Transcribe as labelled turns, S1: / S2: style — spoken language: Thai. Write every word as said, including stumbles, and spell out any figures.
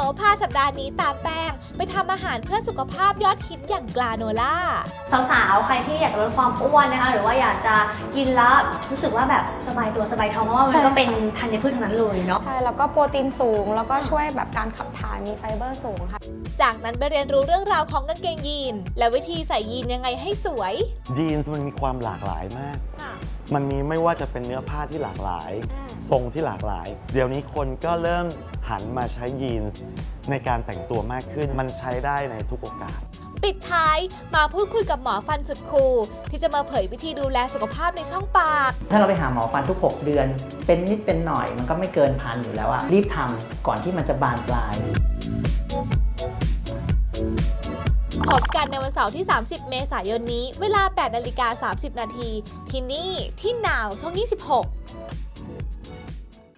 S1: พาสัปดาห์นี้ตามแป้งไปทำอาหารเพื่อสุขภาพยอดฮิตอย่างกลาโนล่า
S2: สาวๆใครที่อยากจะลดความอ้วนนะคะหรือว่าอยากจะกินแล้วรู้สึกว่าแบบสบายตัวสบายท้องเพราะว่ามันก็เป็นธัญพืชทั้งนั้นเลยเนาะ
S3: ใช่แล้วก็โปรตีนสูงแล้วก็ช่วยแบบการขับถ่ายมีไฟเบอร์สูงค่ะ
S1: จากนั้นไปเรียนรู้เรื่องราวของกางเกงยีนและวิธีใส่ยีนยังไงให้สวย
S4: ยีนส์มันมีความหลากหลายมากมันมีไม่ว่าจะเป็นเนื้อผ้าที่หลากหลายทรงที่หลากหลายเดี๋ยวนี้คนก็เริ่มหันมาใช้ยีนส์ในการแต่งตัวมากขึ้นมันใช้ได้ในทุกโอกาส
S1: ปิดท้ายมาพูดคุยกับหมอฟันสุดคูลที่จะมาเผยวิธีดูแลสุขภาพในช่องปาก
S5: ถ้าเราไปหาหมอฟันทุกหกเดือนเป็นนิดเป็นหน่อยมันก็ไม่เกินพันอยู่แล้วอะรีบทำก่อนที่มันจะบานปลาย
S1: พบกันในวันเสาร์ที่ สามสิบ เมษายนนี้เวลา แปดนาฬิกาสามสิบนาทีที่นี่ที่นาวช่องยี่สิบหก